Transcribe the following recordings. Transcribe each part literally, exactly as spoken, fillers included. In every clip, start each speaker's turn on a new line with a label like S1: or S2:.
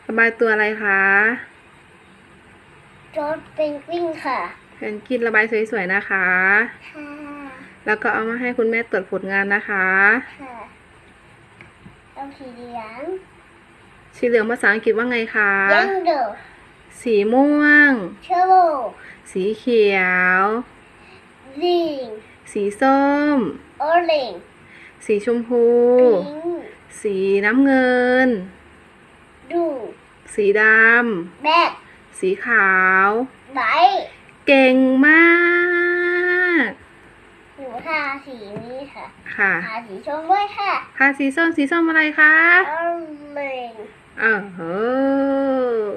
S1: ระบายตัวอะไรคะ
S2: รถเป็นกวินค่ะ
S1: เพนกวินระบายสวยๆนะคะ
S2: ค่ะ
S1: แล้วก็เอามาให้คุณแม่ตรวจผลงานนะคะ
S2: ค่ะเอาสีเหลือง
S1: สีเหลืองภาษาอังกฤษว่าไงคะ
S2: yellow
S1: สีม่วง
S2: yellow
S1: สีเขียว
S2: green
S1: สีส้ม
S2: orange
S1: สีชมพู
S2: pink
S1: สีน้ำเงิน
S2: blue
S1: สีดำ
S2: black
S1: สีขาว
S2: white
S1: เก่งมาก
S2: หนูทาสีนี้ค่ะ
S1: ค่ะ
S2: ทาสีส้มด้วยค่ะ
S1: ทาสีส้มสีส้มอะไรคะ
S2: orange
S1: เออเฮ้อ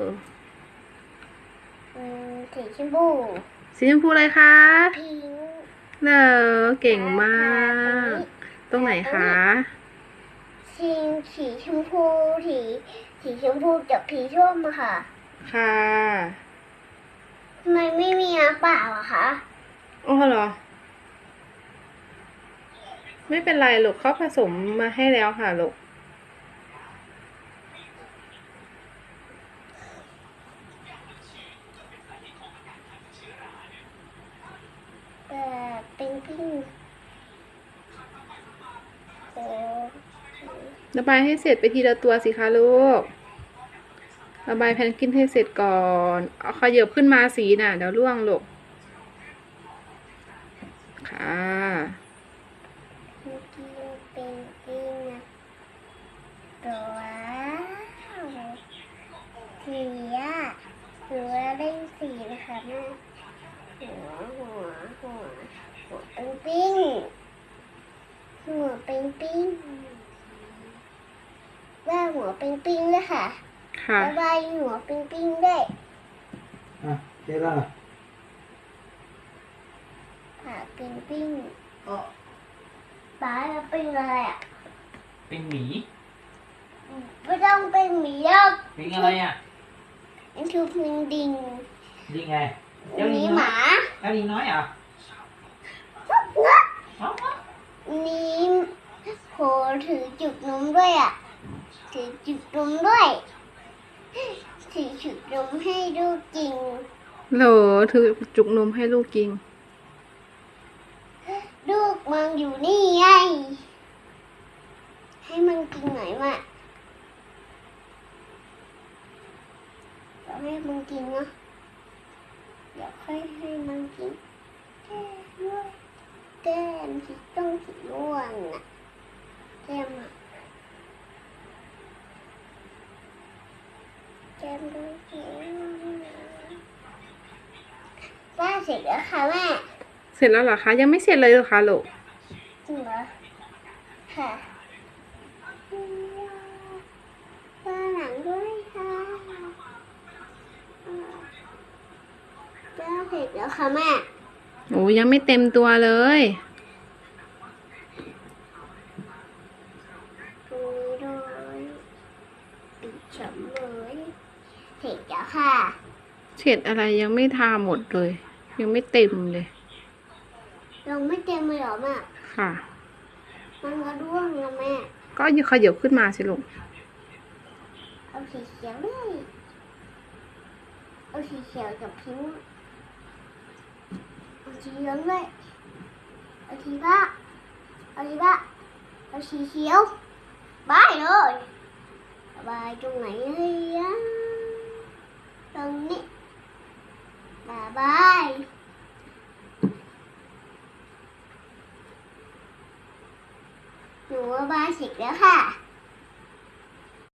S2: อืมสีชมพู
S1: สีชมพูอะไรคะ
S2: pink
S1: เนอเก่งมาก ตรงไหนคะ
S2: สีสีชมพูสีสีชมพูกับสีส้มอะค่ะ
S1: ค่ะ
S2: ทำไมไม่มีน้ำเปล่าอะคะ
S1: โอ้เหรอ ไม่เป็นไรลูกเขาผสมมาให้แล้วค่ะลูก
S2: เอ่อเป็นปิ้งโอ้
S1: ระบายให้เสร็จไปทีละตัวสิคะลูก ระบายแพนกวินให้เสร็จก่อน เอาขยับขึ้นมาสีน่ะเดี๋ยวร่วงลูก ค่ะ
S2: เมื่อกี้เป็นปิ้งนะตัวสีอะหรือว่าเล่นสีนะคะแม่หัวหัวหัวหัวเป็นปิ้งหัวเป็นปิ้งว่าหัวเป็นปิ้งด้วยค่ะ
S1: ค่ะ
S2: ระบายหัวเป็นปิ้งด้วย
S3: อ่ะเจ๊ล่ะ
S2: ปากเป็นปิ้ง
S3: อ๋อ
S2: ปากจะเป็นอะไรอ่ะ
S4: เป็นหมี
S2: ไม่ต้องเป็นหมีหรอก
S4: ลิงอะไรอ่ะ
S2: มันคือพิงดิง
S4: ลิงไง
S2: อั
S4: เจ้าน ลิ
S2: นี้
S4: ง
S2: ห
S4: น้อย
S2: มา
S4: เจ้าลิงน้อยเหรออ๋อ
S2: อันนี้โหถือจุกนมด้วยอ่ะถือจุกนมด้วยถือจุกนมให้ดูกกิน
S1: โหลถือจุกนมให้ลูกกิน
S2: ลูกมันอยู่นี่ไงให้มันกินหน่อยมาเราให้มันกินนะเดี๋ยวค่อยให้มันกินแก้มด้วยแก้มสีต้องสีม่วงน่ะแก้มอ่ะแก้มด้วยสีม่วงนะว่าเสร็จแล้วค่ะแม่
S1: เสร็จแล้วเหรอคะ ยังไม่เสร็จเลยเหรอคะลูก
S2: จริงเหรอค่ะว่าหลังด้วยค่ะว่าเสร็จแล้วค่ะแม่
S1: โอ้ยังไม่เต็มตัวเลย
S2: ตรงนี้ด้วยปิดฉมเลยเสร็จแล้วค่ะ
S1: เสร็จอะไรยังไม่ทาหมดเลย ยังไม่เต็มเลย
S2: ลงไม่เต็มเลยเหรอแม่
S1: ค่ะ
S2: มันก็ร่วงแล้วแม่
S1: ก็ยขยับขึ้นมาสิลูก
S2: เอาสีเขียวด้วยเอาสีเขียวกับพิงค์เอาสีเหลืองด้วยเอาสีฟ้าเอาสีฟ้าเอาสีเขียวบายเลยบายตรงไหนเลยอะตรงนี้บายบายหนูว่าบายเสร็จแล้วค่ะ